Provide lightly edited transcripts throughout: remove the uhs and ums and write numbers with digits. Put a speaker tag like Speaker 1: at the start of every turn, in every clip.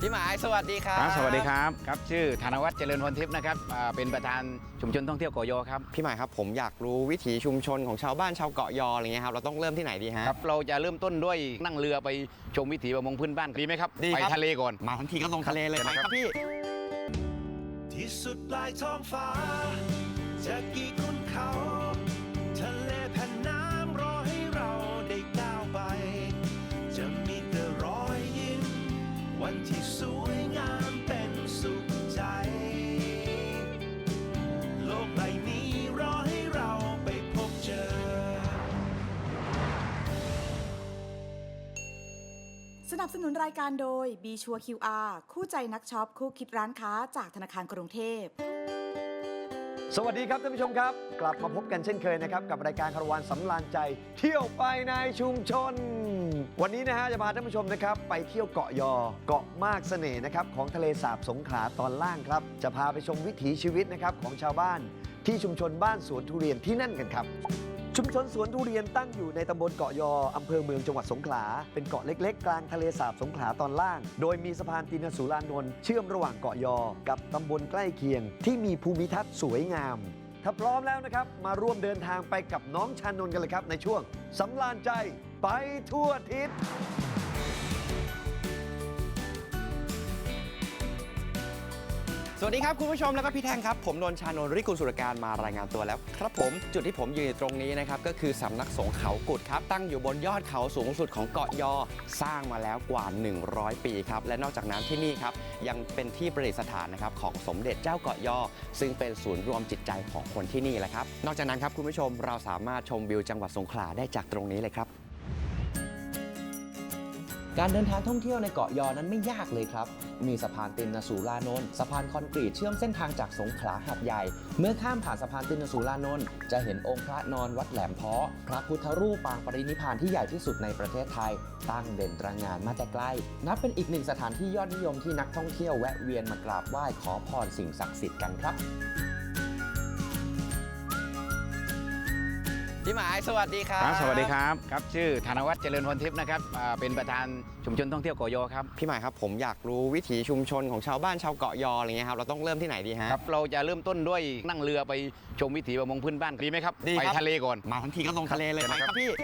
Speaker 1: พี่หมายสวัสดีครับ
Speaker 2: สวัสดีครับชื่อธนวัฒน์เจริญพรทิพย์นะครับเป็นประธานชุมชนท่องเที่ยวเกาะยอครับ
Speaker 1: พี่หมายครับผมอยากรู้วิถีชุมชนของชาวบ้านชาวเกาะยออะไรเงี้ยครับเราต้องเริ่มที่ไหนดีฮะ
Speaker 2: ครับเราจะเริ่มต้นด้วยนั่งเรือไปชมวิถีประมงพื้นบ้านดีไหมครับ
Speaker 1: ดีครับ
Speaker 2: ไปทะเลก่อน
Speaker 1: มาทั้งทีก็ลงทะเลเลยไปครับพี่
Speaker 3: ที่สุดปลายท้องฟ้าจะกี่ขุนเขาทะเลแผ่นน้ำรอให้เราได้ก้าวไปจะมีแต่รอยยิ้มวันที่สวยงามเป็นสุขใจโลกใบนี้รอให้เราไปพบเจอ
Speaker 4: สนับสนุนรายการโดย B ชัวร์ QR คู่ใจนักช็อปคู่คิดร้านค้าจากธนาคารกรุงเทพ
Speaker 5: สวัสดีครับท่านผู้ชมครับกลับมาพบกันเช่นเคยนะครับกับรายการคาราวานสำราญใจเที่ยวไปในชุมชนวันนี้นะฮะจะพาท่านผู้ชมนะครับไปเที่ยวเกาะยอเกาะมากเสน่ห์นะครับของทะเลสาบสงขลาตอนล่างครับจะพาไปชมวิถีชีวิตนะครับของชาวบ้านที่ชุมชนบ้านสวนทุเรียนที่นั่นกันครับชุมชนสวนทุเรียนตั้งอยู่ในตำบลเกาะยออำเภอเมืองจังหวัดสงขลาเป็นเกาะเล็กๆกลางทะเลสาบสงขลาตอนล่างโดยมีสะพานตินสุรานนท์เชื่อมระหว่างเกาะยอกับตำบลใกล้เคียงที่มีภูมิทัศน์สวยงามถ้าพร้อมแล้วนะครับมาร่วมเดินทางไปกับน้องชานนท์กันเลยครับในช่วงสำราญใจไปทั่วทิศ
Speaker 1: สวัสดีครับคุณผู้ชมแล้วก็พี่แท่งครับผมนนท์ชานนท์ฤทธิ์กุลสุรการมารายงานตัวแล้วครับผมจุดที่ผมยืนอยู่ตรงนี้นะครับก็คือสำนักสงฆ์เขากุดครับตั้งอยู่บนยอดเขาสูงสุดของเกาะยอสร้างมาแล้วกว่า100 ปีครับและนอกจากนั้นที่นี่ครับยังเป็นที่ประดิษฐานนะครับของสมเด็จเจ้าเกาะยอซึ่งเป็นศูนย์รวมจิตใจของคนที่นี่แหละครับนอกจากนั้นครับคุณผู้ชมเราสามารถชมวิวจังหวัดสงขลาได้จากตรงนี้เลยครับการเดินทางท่องเที่ยวในเกาะยอนั้นไม่ยากเลยครับมีสะพานตินสุรานนท์สะพานคอนกรีตเชื่อมเส้นทางจากสงขลาหาดใหญ่เมื่อข้ามผ่านสะพานตินสุรานนท์จะเห็นองค์พระนอนวัดแหลมเพาะพระพุทธรูปปางปรินิพพานที่ใหญ่ที่สุดในประเทศไทยตั้งเด่นตระหง่านมาแต่ไกลนับเป็นอีกหนึ่งสถานที่ยอดนิยมที่นักท่องเที่ยวแวะเวียนมากราบไหว้ขอพรสิ่งศักดิ์สิทธิ์กันครับพี่หมายสวัสดีครับ
Speaker 2: สวัสดีครับชื่อธนวัฒน์เจริญพรทิพย์นะครับเป็นประธานชุมชนท่องเที่ยวเกาะยอครับ
Speaker 1: พี่หมายครับผมอยากรู้วิถีชุมชนของชาวบ้านชาวเกาะยออะไรเงี้ยครับเราต้องเริ่มที่ไหนดีฮะ
Speaker 2: ครับเราจะเริ่มต้นด้วยนั่งเรือไปชมวิถีประมงพื้นบ้านดีไหมครับ
Speaker 1: ดีครับ
Speaker 2: ไปทะเลก่อน
Speaker 1: มาทั้งทีก็ลงทะเลเลยไปครับพี่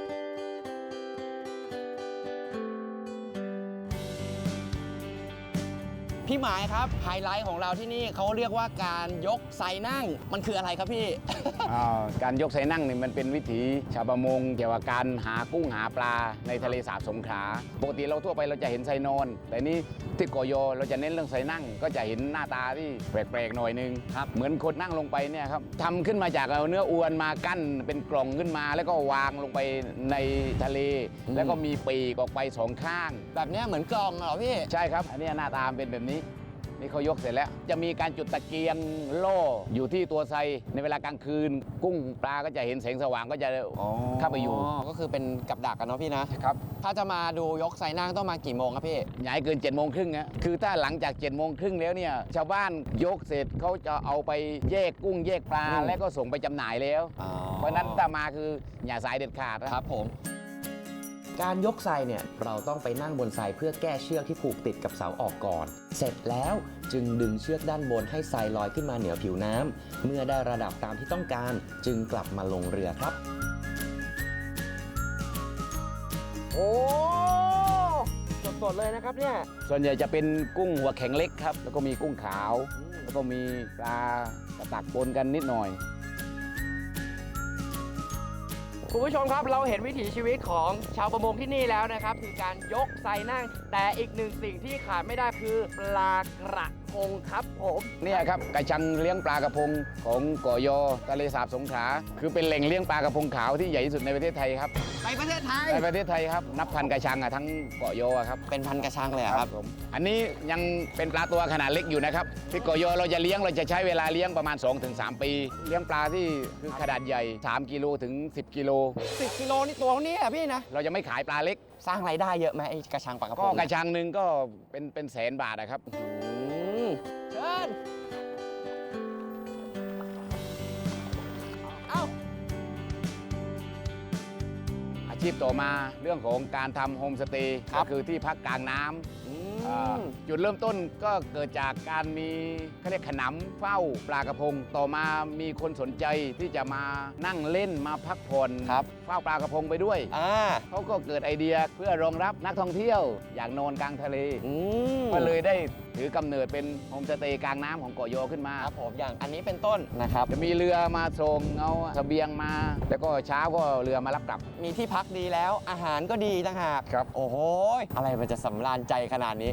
Speaker 1: พี่หมายครับไฮไลท์ของเราที่นี่เขาเรียกว่าการยกไซนั่งมันคืออะไรครับพี่
Speaker 2: การยกไซนั่งนี่มันเป็นวิถีชาวประมงเกี่ยวกับการหากุ้งหาปลาในทะเลสาบสงขลาปกติเราทั่วไปเราจะเห็นไซนอนแต่นี้ที่เกาะยอเราจะเน้นเรื่องไซนั่งก็จะเห็นหน้าตาที่แปลกๆหน่อยนึงครับเหมือนคนนั่งลงไปเนี่ยครับทำขึ้นมาจากเอาเนื้ออวนมากั้นเป็นกล่องขึ้นมาแล้วก็วางลงไปในทะเลแล้วก็มีปีกออกไปสองข้าง
Speaker 1: แบบนี้เหมือนกล่องเหรอพี่
Speaker 2: ใช่ครับอันนี้หน้าตาเป็นแบบนี้นี่เขายกเสร็จแล้วจะมีการจุดตะเกียงโล่อยู่ที่ตัวไซในเวลากลางคืนกุ้งปลาก็จะเห็นแสงสว่างก็จะเข้าไปอยู่
Speaker 1: ก็คือเป็นกับดักกันเนาะพี่นะครับถ้าจะมาดูยกไซนั่งต้องมากี่โมงครับพี่
Speaker 2: ย้ายเกิน7:30นนะคือถ้าหลังจาก7:30นแล้วเนี่ยชาวบ้านยกเสร็จเขาจะเอาไปแยกกุ้งแยกปลาแล้วก็ส่งไปจำหน่ายแล้วเพราะนั้นถ้ามาคืออย่าสายเด็ดขาด
Speaker 1: ครับผมการยกไซเนี่ยเราต้องไปนั่งบนไซเพื่อแก้เชือกที่ผูกติดกับเสาออกก่อนเสร็จแล้วจึงดึงเชือกด้านบนให้ไซลอยขึ้นมาเหนือผิวน้ำเมื่อได้ระดับตามที่ต้องการจึงกลับมาลงเรือครับโอ้สดๆเลยนะครับเนี่ย
Speaker 2: ส่วนใหญ่จะเป็นกุ้งหัวแข็งเล็กครับแล้วก็มีกุ้งขาวแล้วก็มีปลากระตักปนกันนิดหน่อย
Speaker 1: คุณผู้ชมครับเราเห็นวิถีชีวิตของชาวประมงที่นี่แล้วนะครับคือการยกไซนั่งแต่อีกหนึ่งสิ่งที่ขาดไม่ได้คือปลากระพงครับผม
Speaker 2: เนี่ยครับกระชังเลี้ยงปลากระพงของเกาะยอทะเลสาบสงขลาคือเป็นแหล่งเลี้ยงปลากระพงขาวที่ใหญ่ที่สุดในประเทศไทยครับ
Speaker 1: ในประเทศไทย
Speaker 2: ครับนับพันกระชังทั้งเกาะยอครับ
Speaker 1: เป็นพันกระชังเลยครับ
Speaker 2: ผมอันนี้ยังเป็นปลาตัวขนาดเล็กอยู่นะครับที่เกาะยอเราจะใช้เวลาเลี้ยงประมาณ 2-3 ปีเลี้ยงปลาที่คือขนาดใหญ่3 กิโลถึง10 กิโล
Speaker 1: 10 กิโลนี่ตัวนี้อ่ะพี่นะ
Speaker 2: เราจะไม่ขายปลาเล็ก
Speaker 1: สร้างรายได้เยอะไหมไอ้กระชังปลากระพง
Speaker 2: ก็กระชังหนึ่งก็เป็นแสนบาทนะครับ
Speaker 1: เชิญเอา
Speaker 2: อาชีพต่อมาเรื่องของการทำโฮมสเตย์ก็คือที่พักกลางน้ำจุดเริ่มต้นก็เกิดจากการมีเขาเรียกขนำเฝ้าปลากระพง ต่อมามีคนสนใจที่จะมานั่งเล่นมาพักผ่อน
Speaker 1: ครับ
Speaker 2: เฝ้าปลากระพงไปด้วย เขาก็เกิดไอเดียเพื่อรองรับนักท่องเที่ยวอยากนอนกลางทะเล ก็เลยได้ถือกำเนิดเป็นโฮมสเตย์กลางน้ำของเกาะยอขึ้นมา
Speaker 1: ครับผมอย่างอันนี้เป็นต้นนะครับ
Speaker 2: จะมีเรือมาส่งเอาเสบียงมา แล้วก็เช้าก็เรือมารับกลับ
Speaker 1: มีที่พักดีแล้วอาหารก็ดีต่างหาก
Speaker 2: ครับ
Speaker 1: โอ้โหอะไรมันจะสำราญใจขนาดนี้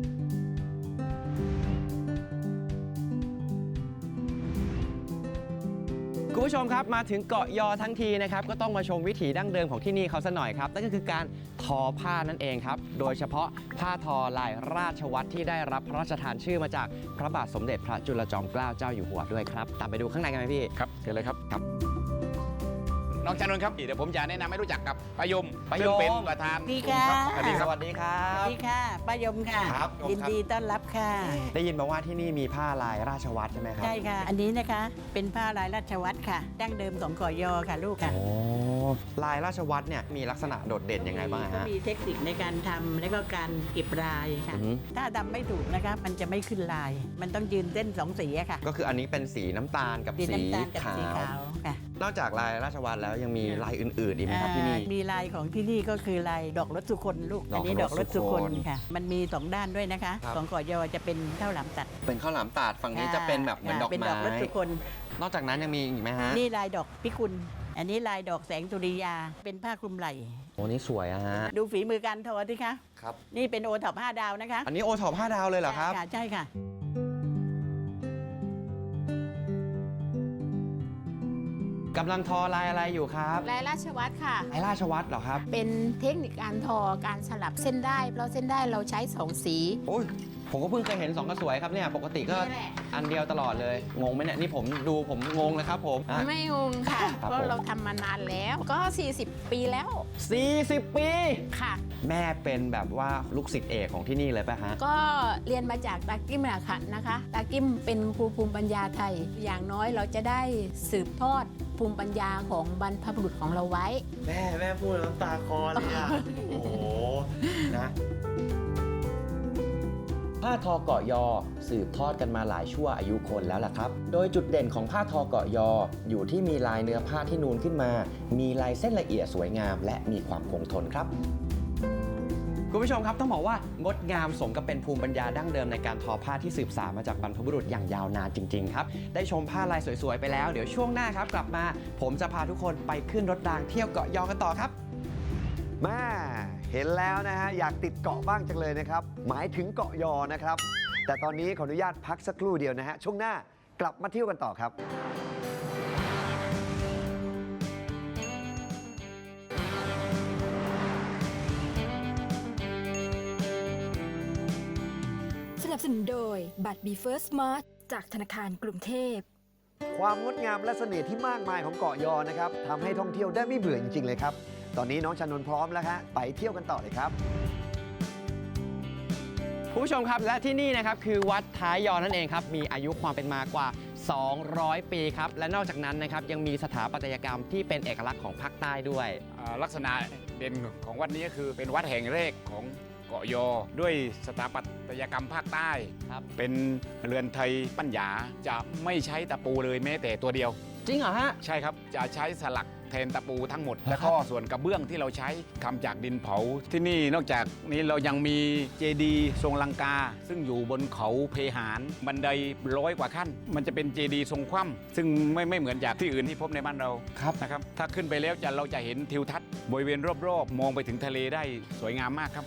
Speaker 1: คุณผู้ชมครับมาถึงเกาะยอทั้งทีนะครับก็ต้องมาชมวิถีดั้งเดิมของที่นี่เขาซะหน่อยครับนั่นก็คือการทอผ้านั่นเองครับโดยเฉพาะผ้าทอลายราชวัตรที่ได้รับพระราชทานชื่อมาจากพระบาทสมเด็จพระจุลจอมเกล้าเจ้าอยู่หัวด้วยครับตามไปดูข้างในกันไหมพี่
Speaker 2: ครับเชิญเลยครับ
Speaker 1: ครับ
Speaker 2: น้องชานนท์ครับเดี๋ยวผมจะแนะนำให้รู้จักกับป้ายม
Speaker 1: ป้ายม
Speaker 2: ซึ่งเป็นประธาน
Speaker 6: ดีค่ะ
Speaker 1: สวัสดีครับสวัสดีครั
Speaker 6: สวั
Speaker 1: บ
Speaker 6: สดีค่ะป้ายมค่ะ
Speaker 1: ครับ
Speaker 6: ยินดีต้อนรับค่ะ
Speaker 1: ได้ยินมาว่าที่นี่มีผ้าลายราชวัตรใช่ไหมครับ
Speaker 6: ใช่ค่ะ อันนี้นะคะ เป็นผ้าลายราชวัตรค่ะ ดั้งเดิมของเกาะยอค่ะลูกค่ะ
Speaker 1: โอ้ลายราชวัตรเนี่ยมีลักษณะโดดเด่นยังไงบ้าง
Speaker 6: ก็
Speaker 1: ฮะ
Speaker 6: มีเทคนิคในการทำและก็การเก็บลายค่ะ
Speaker 1: อือฮึ
Speaker 6: ถ้าทำไม่ถูกนะคะ มันจะไม่ขึ้นลาย มันต้องยืนเส้นสองสีอะค่ะ
Speaker 1: ก็คืออันนี้เป็นสีน้ำตาลกับ
Speaker 6: สี
Speaker 1: สี
Speaker 6: น้ำตาลกับ
Speaker 1: ขา
Speaker 6: สี
Speaker 1: ว
Speaker 6: ขาวค่ะ
Speaker 1: นอกจากลายราชวัตรแล้วยังมีลายอื่นๆอีกไหมครับที่นี่
Speaker 6: มีลายของที่นี่ก็คือลายดอกรถสุคนลูก
Speaker 1: ดอก
Speaker 6: อันนี้ดอกรถสุคน
Speaker 1: รถสุคน
Speaker 6: ค่ะ มันมีสองด้านด้วยนะคะ
Speaker 1: ครับ
Speaker 6: ของเกาะยอจะเป็นข้าวหลามตัด
Speaker 1: เป็นข้าวหลามตาดฝั่งนี้จะเป็นแบบเหมือนดอก
Speaker 6: เป็นด
Speaker 1: ไม้
Speaker 6: อกรถสุคน
Speaker 1: นอกจากนั้นยังมีอีกไหมฮะ
Speaker 6: นี่ลายดอกพิกุล อันนี้ลายดอกแสงสุริยา เป็นผ้าคลุมไหล่
Speaker 1: โอ้นี่สวยอะฮะ
Speaker 6: ดูฝีมือการทอสิคะ
Speaker 1: ครับ
Speaker 6: นี่เป็นโอท็อป5 ดาวนะคะ
Speaker 1: อันนี้โอท็อป5 ดาวเลยเหรอครับ
Speaker 6: ะใช่ค่ะ
Speaker 1: กำลังทอลายอะไรอยู่ครับ
Speaker 7: ลายราชวัตรค่ะ
Speaker 1: ลายราชวัตรเหรอครับ
Speaker 7: เป็นเทคนิคการทอการสลับเส้นได้ เพราะเส้นได้เราใช้ 2 สี
Speaker 1: โอ้ยผมก็เพิ่งเคยเห็น2กระสวยครับเนี่ยปกติก็
Speaker 7: นี่แหละ
Speaker 1: อันเดียวตลอดเลยงงไหมเนี่ยนี่ผมดูผมงงเลยครับผมอ่ะ
Speaker 7: ไม่งงค่ะ
Speaker 1: ครับ
Speaker 7: เพราะ
Speaker 1: ผม
Speaker 7: เราทำมานานแล้วก็ 40 ปีแล้ว
Speaker 1: 40 ปี
Speaker 7: ค่ะ
Speaker 1: แม่เป็นแบบว่าลูกศิษย์เอกของที่นี่เลยป่ะฮะ
Speaker 7: ก็เรียนมาจากตากิ้มนะค่ะนะคะ ตากิ้มเป็นครูภูมิปัญญาไทย อย่างน้อยเราจะได้สืบทอดภูมิปัญญาของบรรพบุรุษของเราไว้
Speaker 1: แม่พูดน้ำตาคลอเลยอ่ะ โอ้โหนะผ้าทอเกาะยอสืบทอดกันมาหลายชั่วอายุคนแล้วล่ะครับ โดยจุดเด่นของผ้าทอเกาะยออยู่ที่มีลายเนื้อผ้าที่นูนขึ้นมา มีลายเส้นละเอียดสวยงาม และมีความคงทนครับ คุณผู้ชมครับต้องบอกว่างดงามสมกับเป็นภูมิปัญญาดั้งเดิมในการทอผ้าที่สืบสานมาจากบรรพบุรุษอย่างยาวนานจริงๆครับได้ชมผ้าลายสวยๆไปแล้วเดี๋ยวช่วงหน้าครับกลับมา ผมจะพาทุกคนไปขึ้นรถรางเที่ยวเกาะยอกันต่อครับ
Speaker 5: แม่เห็นแล้วนะฮะอยากติดเกาะบ้างจังเลยนะครับ หมายถึงเกาะยอนะครับ แต่ตอนนี้ขออนุญาตพักสักครู่เดียวนะฮะช่วงหน้ากลับมาเที่ยวกันต่อครับ
Speaker 8: สนับสนุนโดยบัตร b f i r s t Smart จากธนาคารกรุงเทพ
Speaker 5: ความงดงามและเสน่ห์ที่มากมายของเกาะยอนะครับทำให้ท่องเที่ยวได้ไม่เบื่อจริงๆเลยครับ ตอนนี้น้องชานนท์พร้อมแล้วฮะไปเที่ยวกันต่อเลยครับ
Speaker 1: คุณผู้ชมครับและที่นี่นะครับคือวัดท้ายยอนั่นเองครับมีอายุความเป็นมากว่า 200 ปีครับและนอกจากนั้นนะครับยังมีสถาปัตยกรรมที่เป็นเอกลักษณ์ของภาคใต้ด้วย
Speaker 2: ลักษณะเด่นของวัดนี้ก็คือเป็นวัดแห่งแรกของเกาะยอ ด้วยสถาปัตยกรรมภาคใต้
Speaker 1: ครับ
Speaker 2: เป็นเรือนไทยปัญญาจะไม่ใช้ตะปูเลยแม้แต่ตัวเดียว
Speaker 1: จริงเหรอฮะ
Speaker 2: ใช่ครับจะใช้สลักแทนตะปูทั้งหมด
Speaker 1: ครับ
Speaker 2: แล้วก็ส่วนกระเบื้องที่เราใช้ทำจากดินเผา ที่นี่นอกจากนี้เรายังมีเจดีย์ทรงลังกา ซึ่งอยู่บนเขาเพหานบันได100 กว่าขั้น มันจะเป็นเจดีย์ทรงคว่ำซึ่งไม่เหมือนจากที่อื่นที่พบในบ้านเรา
Speaker 1: ครับ
Speaker 2: นะครับถ้าขึ้นไปแล้วเราจะเห็นทิวทัศน์บริเวณรอบๆ มองไปถึงทะเลได้สวยงามมากครับ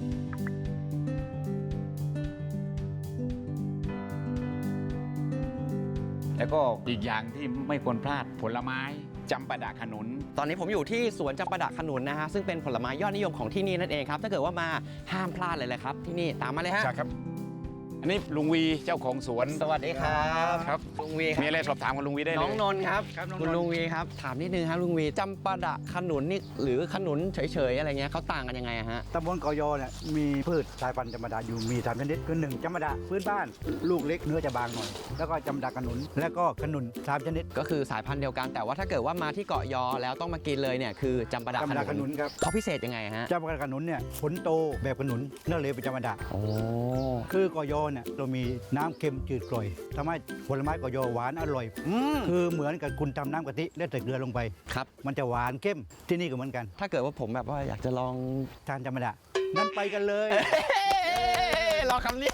Speaker 2: แล้วก็อีกอย่างที่ไม่ควรพลาดผลไม้จำปาดะขนุน
Speaker 1: ตอนนี้ผมอยู่ที่สวนจำปาดะขนุนนะฮะซึ่งเป็นผลไม้ยอดนิยมของที่นี่นั่นเองครับถ้าเกิดว่ามาห้ามพลาดเลยแหละครับที่นี่ตามมาเลยฮะ
Speaker 2: ใช่ครับอันนี้ลุงวีเจ้าของสวน
Speaker 1: สวัสดีครับ
Speaker 2: ครับ
Speaker 1: ลุงวีค
Speaker 2: มี
Speaker 1: รับ
Speaker 2: อะไรสอบถามกับลุงวีได้เลย
Speaker 1: น้องนนท์ครับคุณลุงวีครับถามนิดนึงครับลุงวีจำปาดะขนุนนี่หรือขนุนเฉยๆอะไรเงี้ยเขาต่างกันยังไงอะฮะ
Speaker 9: ตำบลเกาะยอเนี่ยมีพืชสายพันธุ์จำปาดะอยู่มี3ชนิดคือ1จำปาดะพื้นบ้านลูกเล็กเนื้อจะบางหน่อย แล้วก็จำปาดะขนุนแล้วก็ขนุน3ชนิด
Speaker 1: ก็คือสายพันธุ์เดียวกันแต่ว่าถ้าเกิดว่ามาที่เกาะยอแล้วต้องมากินเลยเนี่ยคือจำปาดะ
Speaker 9: จำปาดะขนุนครับ
Speaker 1: เขาพิเศษยังไงฮะ
Speaker 9: จำปาดะขนุนเนี่ยผลโตแบบขนุนเนื้อเหลวเป็นจำปาดะ
Speaker 1: โอ้
Speaker 9: คือเกาะยอเนี่ยเรามีน้ำเค็มจืดกร่อยทำให้ผลไม้เกาะยอหวานอร่อย คือเหมือนกับคุณทำน้ำกะทิแล้วใส่เกลือลงไป
Speaker 1: ครับ
Speaker 9: มันจะหวานเข้มที่นี่ก็เหมือนกัน
Speaker 1: ถ้าเกิดว่าผมแบบว่าอยากจะลอง
Speaker 9: ทานจำปาดะนั่นไปกันเลย
Speaker 1: รอคำนี้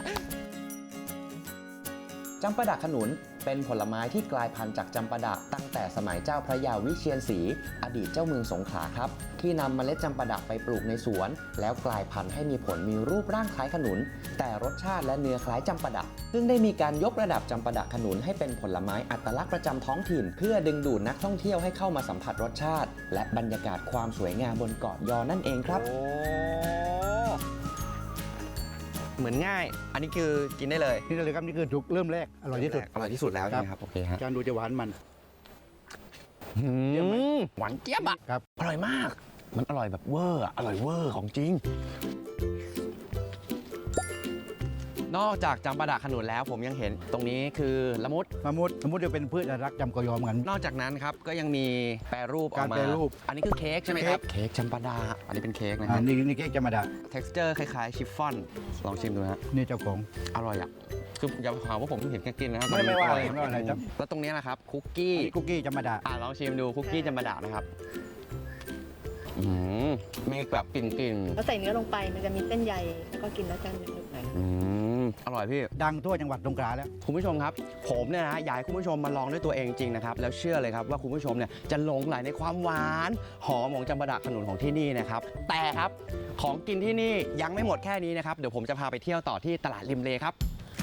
Speaker 1: จำปาดะขนุนเป็นผลไม้ที่กลายพันธุ์จากจำปาดะตั้งแต่สมัยเจ้าพระยาวิเชียรศรีอดีตเจ้าเมืองสงขลาครับที่นำเมล็ดจำปาดะไปปลูกในสวน แล้วกลายพันธุ์ให้มีผลมีรูปร่างคล้ายขนุน แต่รสชาติและเนื้อคล้ายจำปาดะซึ่งได้มีการยกระดับจำปาดะขนุนให้เป็นผลไม้อัตลักษณ์ประจำท้องถิ่น เพื่อดึงดูดนักท่องเที่ยวให้เข้ามาสัมผัสรสชาติ และบรรยากาศความสวยงามบนเกาะยอนั่นเองครับ เหมือนง่าย อันนี้คือกินได้เลย
Speaker 9: นี่เลยครับนี่คือถูกเริ่มแรกอร่อยที่สุด
Speaker 1: อร่อยที่สุดแล้วใช่ไหมครับโอเคฮะ
Speaker 9: จานดูจะหวานมัน
Speaker 1: หวานเจี๊ยบอ่ะ
Speaker 9: ครับ
Speaker 1: อร่อยมาก มันอร่อยแบบเวอร์อะอร่อยเวอร์ของจริง นอกจากจำปาดะขนุนแล้วผมยังเห็นตรงนี้คือละมุด
Speaker 9: มะมุดจะเป็นพืชอนุรักษ์จำเกาะยอเหมือนกัน
Speaker 1: นอกจากนั้นครับก็ยังมีแปรรูปออกมา
Speaker 9: การแปรรูป
Speaker 1: อันนี้คือเค้กใช่ไหมครับ เค้กจำปาดะอันนี้เป็นเค้กนะค
Speaker 9: อ่า
Speaker 1: รับ
Speaker 9: นี่เค้กจำปาดะ
Speaker 1: texture คล้ายๆชิฟฟ่อน ลองชิมดูฮะ
Speaker 9: นี่เจ้าของ
Speaker 1: อร่อยอ่ะ คืออย่าหาว่าผมเห็นแค่กินนะครับ
Speaker 9: ไม่ว่าอะไร
Speaker 1: น
Speaker 9: ไม่ว่าอะไรครับ
Speaker 1: แล้วตรงนี้นะครับคุกกี้
Speaker 9: คุกกี้จำปาดะ
Speaker 1: ลองชิมดูคุกกี้จำปาดะนะครับมีแบบกลิ่น
Speaker 10: แล้วใส่เนื้อลงไปมันจะมีเส้นใยแล้วก็กินแล้วจะหนึบๆหน่อย
Speaker 1: อร่อยพี่
Speaker 9: ดังทั่วจังหวัดสงขลาแล้ว
Speaker 1: คุณผู้ชมครับ ผมเนี่ยนะอยากให้คุณผู้ชมมาลองด้วยตัวเองจริงนะครับ แล้วเชื่อเลยครับว่าคุณผู้ชมเนี่ยจะหลงใหลในความหวานหอมของจำปาดะขนุนของที่นี่นะครับ แต่ครับของกินที่นี่ยังไม่หมดแค่นี้นะครับ เดี๋ยวผมจะพาไปเที่ยวต่อที่ตลาดริมเลครับ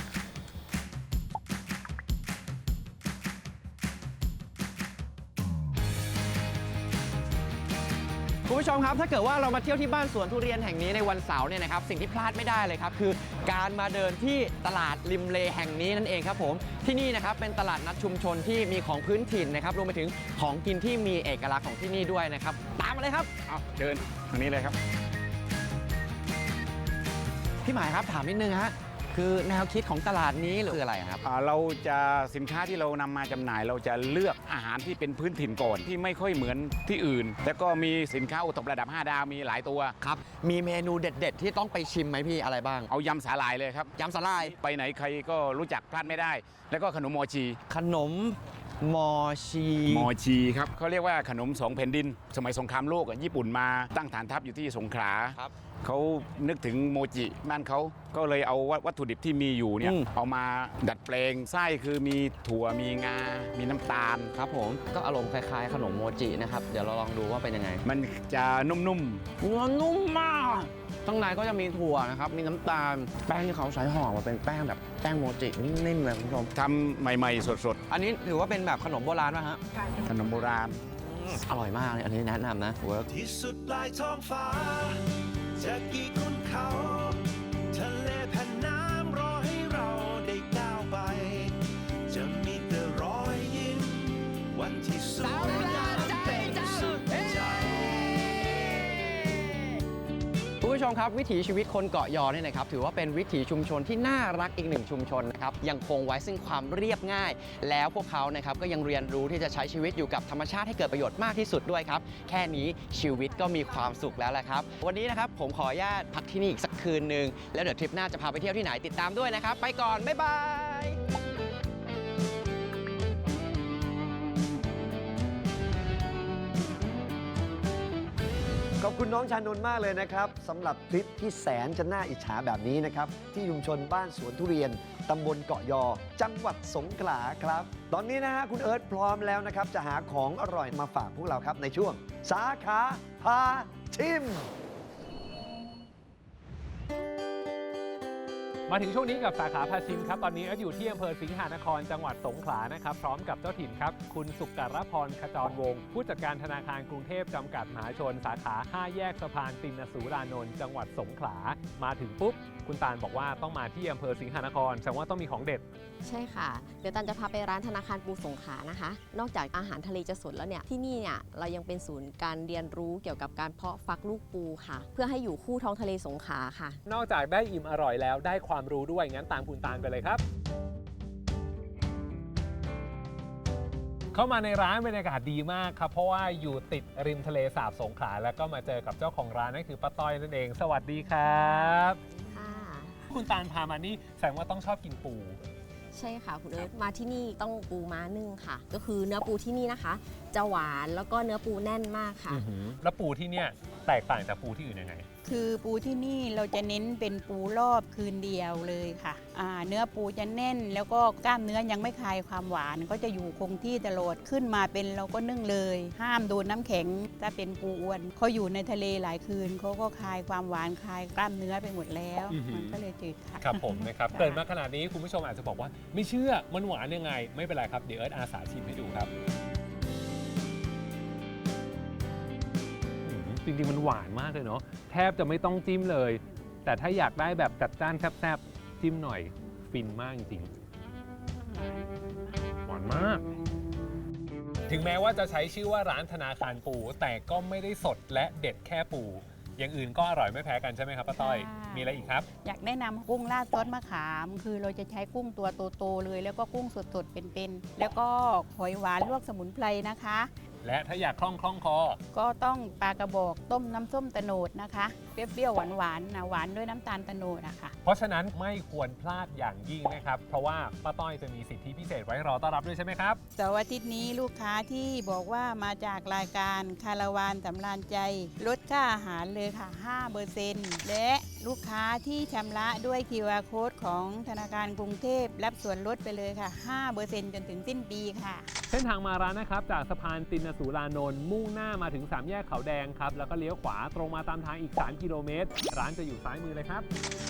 Speaker 1: คุณผู้ชมครับถ้าเกิดว่าเรามาเที่ยวที่บ้านสวนทุเรียนแห่งนี้ในวันเสาร์เนี่ยนะครับสิ่งที่พลาดไม่ได้เลยครับคือการมาเดินที่ตลาดริมเลแห่งนี้นั่นเองครับผมที่นี่นะครับเป็นตลาดนัดชุมชนที่มีของพื้นถิ่นนะครับรวมไปถึงของกินที่มีเอกลักษณ์ของที่นี่ด้วยนะครับตามมาเลยครับ
Speaker 2: เอาเชิญทางนี้เลยครับ
Speaker 1: พี่หมายครับถามนิดนึงฮะคือแนวคิดของตลาดนี้คืออะไรครับ
Speaker 2: เราจะสินค้าที่เรานำมาจำหน่าย เราจะเลือกอาหารที่เป็นพื้นถิ่นก่อนที่ไม่ค่อยเหมือนที่อื่น แล้วก็มีสินค้าโอท็อประดับ 5 ดาวมีหลายตัว
Speaker 1: ครับมีเมนูเด็ด ๆ ที่ต้องไปชิมไหมพี่อะไรบ้าง
Speaker 2: เอายำสาหร่ายเลยครับ
Speaker 1: ยำสาหร่าย
Speaker 2: ไปไหนใครก็รู้จักพลาดไม่ได้ แล้วก็ขนมมอชี
Speaker 1: ขนมมอชี
Speaker 2: มอชีครับเขาเรียกว่าขนม2แผ่นดิน สมัยสงครามโลกญี่ปุ่นมาตั้งฐานทัพอยู่ที่สงขลา
Speaker 1: ครับ
Speaker 2: เขานึกถึงโมจิบ้านเขาก็เลยเอาวัตถุดิบที่มีอยู่เนี่ยเอามาดัดแปลงไส้คือมีถั่วมีงา มีน้ำตาล
Speaker 1: ครับผมก็อารมณ์คล้ายๆขนมโมจินะครับเดี๋ยวเราลองดูว่าเป็นยังไง
Speaker 2: มันจะนุ่ม
Speaker 1: เนื้อนุ่มมากข้างในก็จะมีถั่วนะครับมีน้ำตาลแป้งที่เขาใช้ห่อมาเป็นแป้งแบบแป้งโมจินิ่มๆเลยคุณผู้ชม
Speaker 2: ๆทำใหม่ๆ สด
Speaker 1: อันนี้ถือว่าเป็นแบบขนมโบราณป่ะฮะ
Speaker 2: ๆ ขนมโบราณ
Speaker 1: อร่อยมากเลยอันนี้แนะนำนะเวิร์ก
Speaker 3: ที่สุดปลายท้องฟ้า จะกี่คุณเขา ทะเลแผ่นน้ำรอให้เราได้ก้าวไป จะมีแต่รอยยิ้มวันที่สวยงามเป็นสุดใจ
Speaker 1: คุณผู้ชมครับวิถีชีวิตคนเกาะยอเนี่ยนะครับถือว่าเป็นวิถีชุมชนที่น่ารักอีกหนึ่งชุมชนนะครับยังคงไว้ซึ่งความเรียบง่าย แล้วพวกเขานะครับก็ยังเรียนรู้ที่จะใช้ชีวิตอยู่กับธรรมชาติให้เกิดประโยชน์มากที่สุดด้วยครับแค่นี้ชีวิตก็มีความสุขแล้วแหละครับวันนี้นะครับผมขออนุญาตพักที่นี่อีกสักคืนนึงแล้วเดี๋ยวทริปหน้าจะพาไปเที่ยวที่ไหนติดตามด้วยนะครับไปก่อนบ๊ายบาย
Speaker 5: ขอบคุณน้องชานนท์มากเลยนะครับสำหรับทริปที่แสนจะน่าอิจฉาแบบนี้นะครับ ที่ชุมชนบ้านสวนทุเรียนตำบลเกาะยอ จังหวัดสงขลาครับ ตอนนี้นะฮะคุณเอิร์ธพร้อมแล้วนะครับ จะหาของอร่อยมาฝากพวกเราครับในช่วง สาขาพาชิม
Speaker 11: มาถึงช่วงนี้กับสาขาพาชิมครับตอนนี้อยู่ที่อำเภอสิงหานครจังหวัดสงขลานะครับพร้อมกับเจ้าถิ่นครับคุณสุกรพรขจรวงศ์ผู้จัดการธนาคารกรุงเทพจำกัดมหาชนสาขา5แยกสะพานตินสูรานนท์จังหวัดสงขลามาถึงปุ๊บคุณตาลบอกว่าต้องมาที่อำเภอสิงหานครแสดงว่าต้องมีของเด็ด
Speaker 10: ใช่ค่ะเดี๋ยวตันจะพาไปร้านธนาคารปูสงขลานะคะนอกจากอาหารทะเลจะสดแล้วเนี่ยที่นี่เนี่ยเรายังเป็นศูนย์การเรียนรู้เกี่ยวกับการเพาะฟักลูกปูค่ะเพื่อให้อยู่คู่ท้องทะเลสงขลาค่ะ
Speaker 11: นอกจากได้อิ่มอร่อยแล้วได้ความรู้ด้วยงั้นตามคุณตาลไปเลยครับเข้ามาในร้านบรรยากาศดีมากครับเพราะว่าอยู่ติดริมทะเลสาบสงขลาแล้วก็มาเจอกับเจ้าของร้านนั่นคือป้าต้อยนั่นเองสวัสดีครับคุณตาลพามานี่แสดงว่าต้องชอบกินปู
Speaker 10: ใช่ค่ะคุณเอิร์ธมาที่นี่ต้องปูม้านึ่งค่ะก็คือเนื้อปูที่นี่นะคะจะหวานแล้วก็เนื้อปูแน่นมากค่ะ
Speaker 11: แล้วปูที่เนี่ยแตกต่างจากปูที่อื่นยังไง
Speaker 6: คือปูที่นี่เราจะเน้นเป็นปูรอบคืนเดียวเลยค่ะเนื้อปูจะแน่นแล้วก็กล้ามเนื้อยังไม่คลายความหวานก็จะอยู่คงที่ตลอดขึ้นมาเป็นเราก็นึ่งเลยห้ามโดนน้ำแข็งถ้าเป็นปูอ้วนเขาอยู่ในทะเลหลายคืนเขาก็คลายความหวานคลายกล้ามเนื้อไปหมดแล้วมันก็เลยจืดค่ะ
Speaker 11: ครับผมนะครับเกิดมาขนาดนี้คุณผู้ชมอาจจะบอกว่าไม่เชื่อมันหวานยังไงไม่เป็นไรครับเดี๋ยวเอิร์ธอาสาชิมให้ดูครับจริงๆมันหวานมากเลยเนาะแทบจะไม่ต้องจิ้มเลยแต่ถ้าอยากได้แบบจัดจ้านแซ่บๆจิ้มหน่อยฟินมากจริงๆหวานมากถึงแม้ว่าจะใช้ชื่อว่าร้านธนาคารปูแต่ก็ไม่ได้สดและเด็ดแค่ปูอย่างอื่นก็อร่อยไม่แพ้กันใช่ไหมครับป้าต้อยมีอะไรอีกครับ
Speaker 6: อยากแนะนำกุ้งราดซอสมะขามคือเราจะใช้กุ้งตัวโตๆเลยแล้วก็กุ้งสดๆเป็นๆแล้วก็หอยหวานลวกสมุนไพรนะคะ
Speaker 11: และถ้าอยากคล่องคอ
Speaker 6: ก็ต้องปลากระบอกต้มน้ำส้มตะโนดนะคะเปรี้ยวๆหวานๆนะหวานด้วยน้ำตาลตะโนดนะคะ
Speaker 11: เพราะฉะนั้นไม่ควรพลาดอย่างยิ่งนะครับเพราะว่าป้าต้อยจะมีสิทธิพิเศษไว้รอต้อนรับด้วยใช่ไหมครับ
Speaker 6: เสาร์อาทิตย์นี้ลูกค้าที่บอกว่ามาจากรายการคาราวานสำราญใจลดค่าอาหารเลยค่ะ 5% และลูกค้าที่ชำระด้วย QR Code ของธนาคารกรุงเทพรับส่วนลดไปเลยค่ะ 5% จนถึงสิ้นปีค่ะ
Speaker 11: เส้นทางมาร้านนะครับจากสะพานตินสูรานนท์มุ่งหน้ามาถึง3แยกเขาแดงครับแล้วก็เลี้ยวขวาตรงมาตามทางอีก3กิโลเมตรร้านจะอยู่ซ้ายมือเลยครับ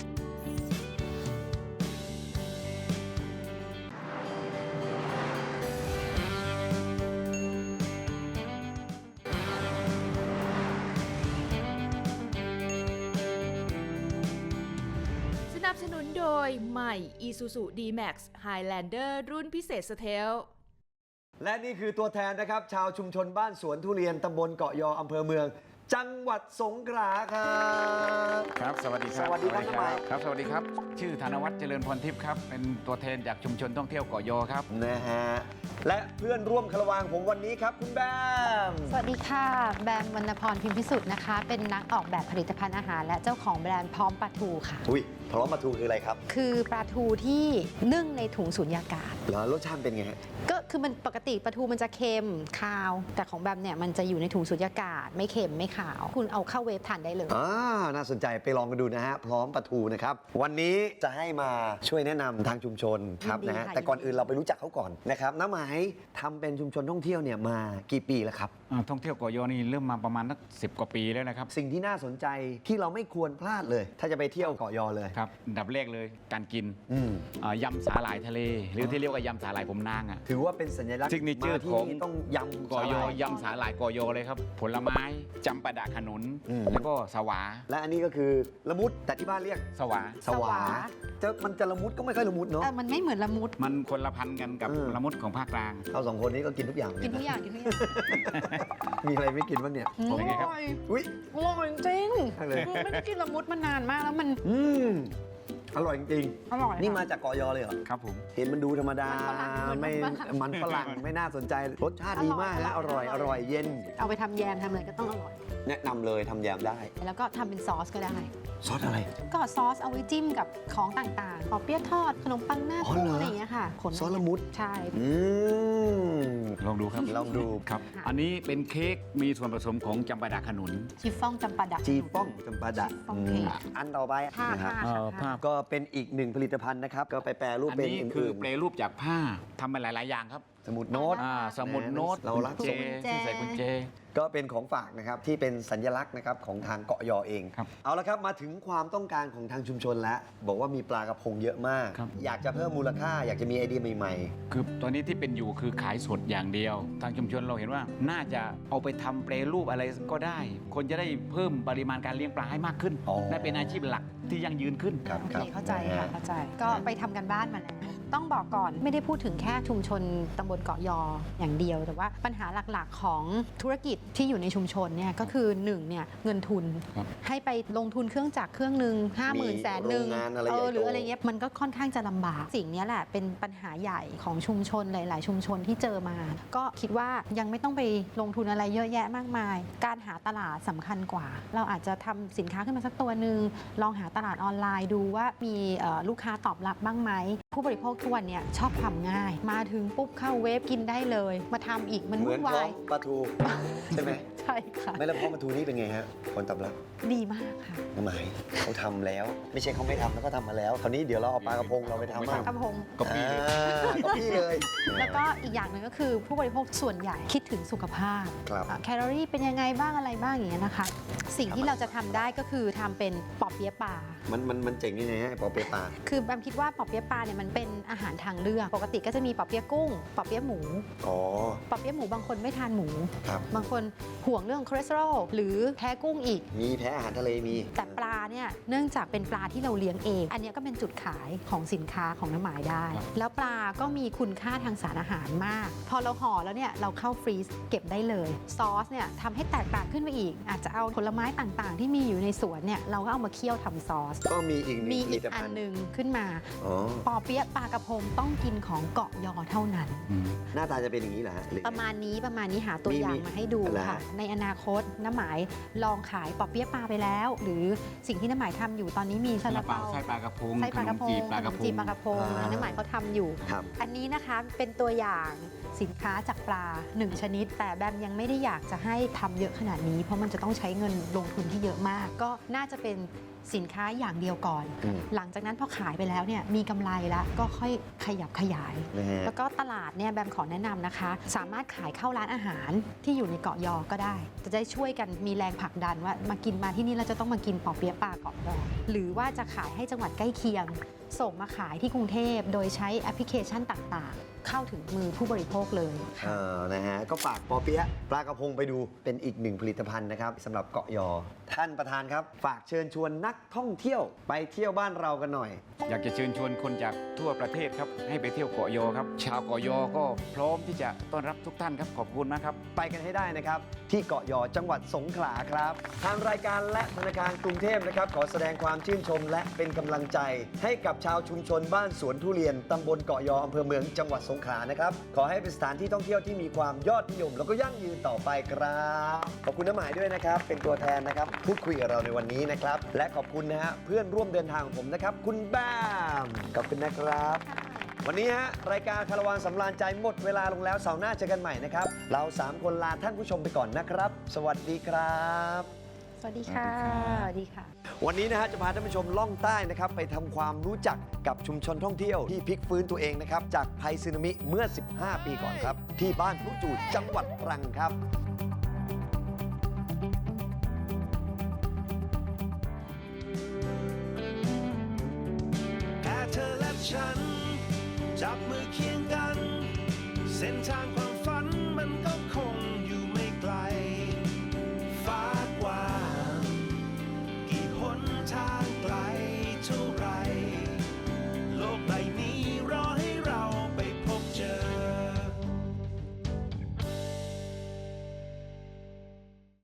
Speaker 12: สนับสนุนโดยใหม่ Isuzu D-Max Highlander รุ่นพิเศษสเทล
Speaker 5: และนี่คือตัวแทนนะครับชาวชุมชนบ้านสวนทุเรียนตำบลเกาะยออำเภอเมืองจังหวัดสงขลาครับ
Speaker 2: ครับสวัสดีครับ
Speaker 5: สวัสดีครับ
Speaker 2: ครับสวัสดีครับชื่อธนวัฒน์เจริญพรทิพย์ครับเป็นตัวแทนจากชุมชนท่องเที่ยวเกาะยอครับ
Speaker 5: นะฮะและเพื่อนร่วมคาราวานผมวันนี้ครับคุณแบม
Speaker 13: สวัสดีค่ะแบมวรรณพรพิมพิสุทธิ์นะคะเป็นนักออกแบบผลิตภัณฑ์อาหารและเจ้าของแบรนด์พร้อมปลาทูค่ะ
Speaker 5: อุ้ยพร้อมปลาทูคืออะไรครับ
Speaker 13: คือปลาทูที่นึ่งในถุงสุญญากาศ
Speaker 5: แล้วรสชาติเป็นไงฮะ
Speaker 13: ก็คือมันปกติปลาทูมันจะเค็มคาวแต่ของแบมเนี่ยมันจะอยู่ในถุงสุญญากาศไม่เค็มไม่ขาวคุณเอาเข้าเวฟทานได้เลย
Speaker 5: น่าสนใจไปลองกันดูนะฮะพร้อมปลาทูนะครับวันนี้จะให้มาช่วยแนะนำทางชุมชนครับนะฮะแต่ก่อนอื่นเราไปรู้จักเขาก่อนนะครับน้าหมายทำเป็นชุมชนท่องเที่ยวเนี่ยมากี่ปีแล้วครับ
Speaker 2: ท่องเที่ยวเกาะยอนี่เริ่มมาประมาณสัก10 กว่าปีแล้วนะครับ
Speaker 5: สิ่งที่น่าสนใจที่เราไม่ควรพลาดเลยถ้าจะไปเที่ยวเกาะยอเลย
Speaker 2: ครับดับแรกเลยการกินยำสาหร่ายทะเลหรือที่เรียกว่ายำสาหร่ายผมนาง
Speaker 5: ถือว่าเป็นสัญลักษณ์
Speaker 2: ซิกเนเจอร์ของ
Speaker 5: ต้องยำ
Speaker 2: เกาะยอยำสาหร่ายเกาะยอเลยครับผลไม้จำปาดะขนุนแล้วก็สวา
Speaker 5: และอันนี้ก็คือละมุดแต่ที่บ้านเรียก
Speaker 2: สวา
Speaker 5: มันจะละมุดก็ไม่ค่อยละมุดเนาะ
Speaker 13: มันไม่เหมือนละมุด
Speaker 2: มันคนละพันกันกับละมุดของภาคกลาง
Speaker 5: เรา2คนนี้ก็กินทุกอย่าง
Speaker 13: กินทุกอย่าง
Speaker 5: มีอะไรไม่กินบ้างเนี่ย
Speaker 13: อร่อย
Speaker 5: อุ้ย
Speaker 13: อร่อยจริงไม่ได้กินละมุดมานานมากแล้วมัน
Speaker 5: อร่อยจริง
Speaker 13: อร่อย
Speaker 5: นี่มาจากเกาะยอเลยเหรอ
Speaker 2: ครับผม
Speaker 5: เห็นมันดูธรรมดาไม่มันฝรั่งไม่น่าสนใจรสชาติดีมากนะอร่อยเย็น
Speaker 13: เอาไปทำแยมทำอะไรก็ต้องอร่อย
Speaker 5: แนะนำเลยทำแยมได้
Speaker 13: แล้วก็ทำเป็นซอสก็ได้
Speaker 5: ซอสอะไร
Speaker 13: ก็ซอสเอาไว้จิ้มกับของต่างๆขอเปี๊ยะทอดขนมปังหน้ากุ้งอะไรอย่างเงี้ยค่ะ
Speaker 5: ซอสละมุด
Speaker 13: ใช่
Speaker 2: ลองดูครับ
Speaker 5: ลองดู
Speaker 2: ครับอันนี้เป็นเค้กมีส่วนผสมของจำปาดะขนุน
Speaker 13: ชีฟ่องจำปาดะ
Speaker 5: อันต่อไปนะครับก็เป็นอีกหนึ่งผลิตภัณฑ์นะครับก็ไปแปรรูปเป็น
Speaker 2: อันนี้คือแปรรูปจากผ้าทำมาหลายๆอย่างครับ
Speaker 5: สมุดโน้ต
Speaker 2: สมุดโน้ต
Speaker 5: เรารัก
Speaker 2: กุญแจ
Speaker 5: สมุด
Speaker 2: ที่ใส่กุญแจ
Speaker 5: ก็เป็นของฝากนะครับที่เป็นสัญลักษณ์นะครับของทางเกาะยอเอง เอาละครับมาถึงความต้องการของทางชุมชนแล้วบอกว่ามีปลากระพงเยอะมาก อยากจะเพิ่มมูลค่าอยากจะมีไอเดียใหม่
Speaker 2: คือตอนนี้ที่เป็นอยู่คือขายสดอย่างเดียว ทางชุมชนเราเห็นว่าน่าจะเอาไปทำแปรรูปอะไรก็ได้ คนจะได้เพิ่มปริมาณการเลี้ยงปลาให้มากขึ้นและเป็นอาชีพหลักที่ยั่งยืนขึ้น
Speaker 13: โอเคเข้าใจค่ะเข้าใจก็ไปทำกันบ้านมาแล้วต้องบอกก่อนไม่ได้พูดถึงแค่ชุมชนตำบลเกาะยออย่างเดียว แต่ว่าปัญหาหลักๆของธุรกิจที่อยู่ในชุมชนเนี่ยก็คือ1เนี่ยเงินทุนให้ไปลงทุนเครื่องจักรเครื่องหนึ่ง50,000 แสนหนึ่งหรืออะไรเงี้ยมันก็ค่อนข้างจะลำบากสิ่งนี้แหละเป็นปัญหาใหญ่ของชุมชนหลายๆ ชุมชนที่เจอมา ก็คิดว่ายังไม่ต้องไปลงทุนอะไรเยอะแยะมากมาย การหาตลาดสำคัญกว่า เราอาจจะทำสินค้าขึ้นมาสักตัวหนึ่งลองหาตลาดออนไลน์ดูว่ามีลูกค้าตอบรับบ้างไหมผู้บริโภคทุกวันเนี่ยชอบทำง่ายมาถึงปุ๊บเข้าเว็บกินได้เลยมาทำอีกมัน
Speaker 5: เหมื
Speaker 13: วุ่
Speaker 5: อน
Speaker 13: น
Speaker 5: พร้
Speaker 13: วา
Speaker 5: อย มปลาทูใช่ไหม
Speaker 13: ใช่ค่ะ
Speaker 5: ไม่แล้วพร้อมปลาทูนี่เป็นไงฮะคนตอบรับ
Speaker 13: ดีมากค่ะ
Speaker 5: น้ำหมายเขาทำแล้ว ไม่ใช่เขาไม่ทำแล้วก็ทำมาแล้วคราวนี้เดี๋ยวเราเอาปลากระพงเราไปทำ
Speaker 13: ป
Speaker 5: บ้า
Speaker 13: ลาง กระพง
Speaker 5: ก็พี่เลย
Speaker 13: แล้วก็อีกอย่างหนึ่งก็คือผู้บริโภคส่วนใหญ่คิดถึงสุขภาพ
Speaker 5: ครับ
Speaker 13: แคลอรี่เป็นยังไงบ้างอะไรบ้างอย่างเงี้ยนะคะ สิ่งที่เราจะทำได้ก็คือทำเป็นปอเปี๊ยะปลา
Speaker 5: มันเจ๋งยังไงฮะปอเปี๊ยะปลา
Speaker 13: คือแบมคิดว่าปอเปี๊ยะปลาเนี่ยมันเป็นอาหารทางเลือกปกติก็จะมีปอเปี๊ยะกุ้งปอเปี๊ยะหมู
Speaker 5: อ๋อ
Speaker 13: ปอเปี๊ยะหมูบางคนไม่ทานหมู
Speaker 5: ครับ
Speaker 13: บางคนห่วงเรื่องคอเลสเตอรอลหรือแพ้กุ้งอีก
Speaker 5: มีแพ้อาหารทะเลมี
Speaker 13: แต่ปลาเนี่ยเนื่องจากเป็นปลาที่เราเลี้ยงเอง อันเนี้ยก็เป็นจุดขายของสินค้าของน้ำหมายได้ แล้วปลาก็มีคุณค่าทางสารอาหารมาก พอเราห่อแล้วเนี่ยเราเข้าฟรีซเก็บได้เลยซอสเนี่ยทำให้แตกต่างขึ้นไปอีก อาจจะเอาผลไม้ต่างๆ ที่มีอยู่ในสวนเนี่ยเราก็เอามาเคี่ยวทำซอส
Speaker 5: ก็มีอีกหนึ่ง
Speaker 13: มี
Speaker 5: ผ
Speaker 13: อี
Speaker 5: ลิ
Speaker 13: ก
Speaker 5: ต
Speaker 13: อั
Speaker 5: ภั
Speaker 13: น
Speaker 5: ณฑ์
Speaker 13: หนึ่งขึ้นมา
Speaker 5: อ๋อ
Speaker 13: ปอเปี๊ยะปลากระพงต้องกินของเกาะยอเท่านั้น
Speaker 5: หน้าตาจะเป็นอย่างนี้เหรอฮะหรือไง
Speaker 13: ประมาณนี้หาตัวอย่างมาให้ดู
Speaker 5: อะไร
Speaker 13: ค่ะ
Speaker 5: ฮะ
Speaker 13: ในอนาคตน้ำหมายลองขายปอเปี๊ยะปลาไปแล้ว หรือสิ่งที่น้ำหมายทำอยู่ตอนนี้มีซาลาเปา
Speaker 2: ไส้ปลากระพง
Speaker 13: ไส้ปลากระพง
Speaker 2: ขนมจีบปลากระพง
Speaker 13: ขนมจีบปลากระพงนะน้ำหมายเขาทำอยู่
Speaker 5: ครับ
Speaker 13: อันนี้นะคะเป็นตัวอย่างสินค้าจากปลา1ชนิด แต่แบมยังไม่ได้อยากจะให้ทำเยอะขนาดนี้ เพราะมันจะต้องใช้เงินลงทุนที่เยอะมาก ก็น่าจะเป็นสินค้าอย่างเดียวก่อน หลังจากนั้นพอขายไปแล้วเนี่ยมีกำไรแล้วก็ค่อยขยับขยาย
Speaker 5: นะฮะ
Speaker 13: แล้วก็ตลาดเนี่ยแบมขอแนะนำนะคะ สามารถขายเข้าร้านอาหารที่อยู่ในเกาะยอก็ได้ จะได้ช่วยกันมีแรงผลักดันว่ามากินมาที่นี่เราจะต้องมากินปอเปี๊ยะปลาเกาะยอหรือว่าจะขายให้จังหวัดใกล้เคียง ส่งมาขายที่กรุงเทพโดยใช้แอปพลิเคชันต่างๆ เข้าถึงมือผู้บริโภคเลย
Speaker 5: นะฮะก็ฝากปอเปี๊ยะปลากระพงไปดูเป็นอีกหนึ่งผลิตภัณฑ์นะครับสำหรับเกาะยอ ท่านประธานครับ ฝากเชิญชวนนักท่องเที่ยวไปเที่ยวบ้านเรากันหน่อย
Speaker 2: อยากจะเชิญชวนคนจากทั่วประเทศครับให้ไปเที่ยวเกาะยอครับ ชาวเกาะยอก็พร้อมที่จะต้อนรับทุกท่านครับขอบคุณมากครับ
Speaker 5: ไปกันให้ได้นะครับ ที่เกาะยอจังหวัดสงขลาครับทางรายการและธนาคารกรุงเทพนะครับขอแสดงความชื่นชมและเป็นกำลังใจให้กับชาวชุมชนบ้านสวนทุเรียนตำบลเกาะยออำเภอเมืองจังหวัดสงขลานะครับขอให้เป็นสถานที่ท่องเที่ยวที่มีความยอดนิยม แล้วก็ยั่งยืนต่อไปครับขอบคุณน้ำหมายด้วยนะครับเป็นตัวแทนนะครับพูดคุยกับเราในวันนี้นะครับและขอบคุณนะฮะเพื่อนร่วมเดินทางของผมนะครับคุณแบมขอบคุณนะครับ วันนี้ฮะรายการคาราวานสำราญใจหมดเวลาลงแล้วเสาร์หน้าเจอกันใหม่นะครับเรา3คนลาท่านผู้ชมไปก่อนนะครับ สวัสดีครับ
Speaker 13: สวัสดีค่ะสวัสดีค่ะ
Speaker 5: วันนี้นะฮะจะพาท่านผู้ชมล่องใต้นะครับไปทำความรู้จักกับชุมชนท่องเที่ยวที่พลิกฟื้นตัวเองนะครับจากภัยสึนามิเมื่อ 15 ปีก่อนครับที่บ้านพลุจูดจังหวัดตรังครับ
Speaker 3: แค่เธอและฉัน จับมือเคียงกัน เส้นทาง